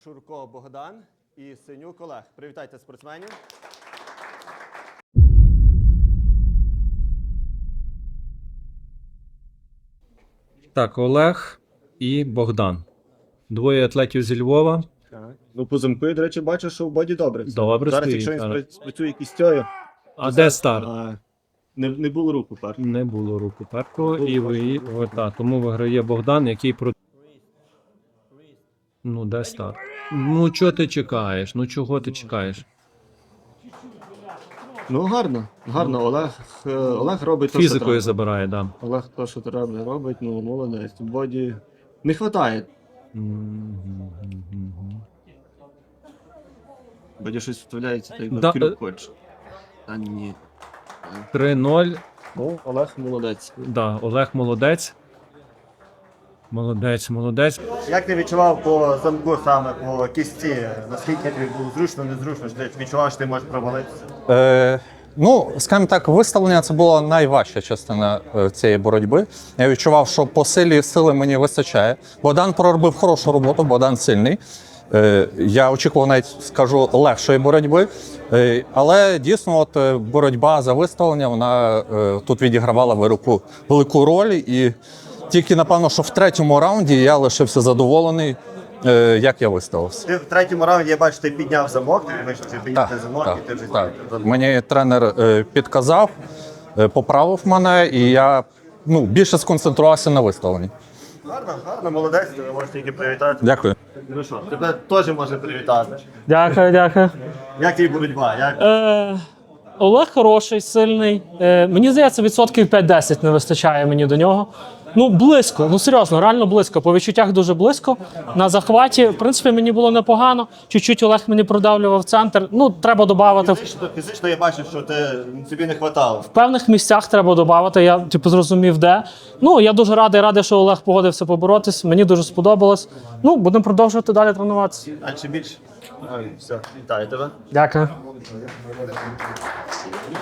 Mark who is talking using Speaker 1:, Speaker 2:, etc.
Speaker 1: Шурко Богдан і Синюк Олег. Привітайте спортсменів.
Speaker 2: Так, Олег і Богдан. Двоє атлетів зі Львова.
Speaker 1: Так. Ну, по замку, я, до речі, бачу, що в боді добре.
Speaker 2: Добре
Speaker 1: Зараз,
Speaker 2: стоїть,
Speaker 1: якщо він
Speaker 2: так.
Speaker 1: спрацює кістьою,
Speaker 2: А де старт?
Speaker 1: не було руку пар.
Speaker 2: Не було руку першого. І ви, тому виграє Богдан, який про. Ну, де старт? Ну, чого ти чекаєш? Ну, чого ти чекаєш?
Speaker 1: Ну, гарно. Гарно. Олег робить те, що
Speaker 2: Фізикою
Speaker 1: треба.
Speaker 2: забирає, так. Да.
Speaker 1: Олег те, що треба, робить, ну, молодець. В боді не вистачає. Боді щось вставляється, так
Speaker 2: Да,
Speaker 1: як крюк хоче. Та ні.
Speaker 2: 3-0.
Speaker 1: Ну, Олег молодець.
Speaker 2: Да, Олег молодець. Молодець.
Speaker 1: Як ти відчував по замку саме, по кісті? Наскільки тобі було зручно, незручно? Чи ти відчував, що ти можеш провалитися?
Speaker 3: Ну, скажімо так, виставлення це була найважча частина цієї боротьби. Я відчував, що по сили мені вистачає. Богдан проробив хорошу роботу, Богдан сильний. Я очікував навіть, скажу, легшої боротьби. Але дійсно от боротьба за виставлення, вона тут відігравала велику роль. І тільки, напевно, що в третьому раунді я лишився задоволений, як я виставився.
Speaker 1: Ти в третьому раунді, я бачу, ти підняв замок, ти вийшов підняти замок, і ти вже
Speaker 3: так. Мені тренер підказав, поправив мене, і я більше сконцентрувався на виставленні.
Speaker 1: Гарно, молодець, тебе можеш тільки привітати.
Speaker 3: Дякую.
Speaker 1: Ну що, тебе теж можна привітати.
Speaker 4: Дякую.
Speaker 1: Як тобі боротьба?
Speaker 4: Олег хороший, сильний. Мені здається, 5-10% не вистачає мені до нього. Ну, близько, ну серйозно, реально близько. По відчуттях дуже близько. На захваті, в принципі, мені було непогано. Чуть-чуть Олег мені продавлював центр. Ну, треба додати.
Speaker 1: Фізично я бачу, що тобі не вистачало.
Speaker 4: В певних місцях треба додати. Я зрозумів, де. Ну, я дуже радий, що Олег погодився поборотись. Мені дуже сподобалось. Ну, будемо продовжувати далі тренуватися.
Speaker 1: А чи більше? Все, вітаю тебе.
Speaker 4: Дякую.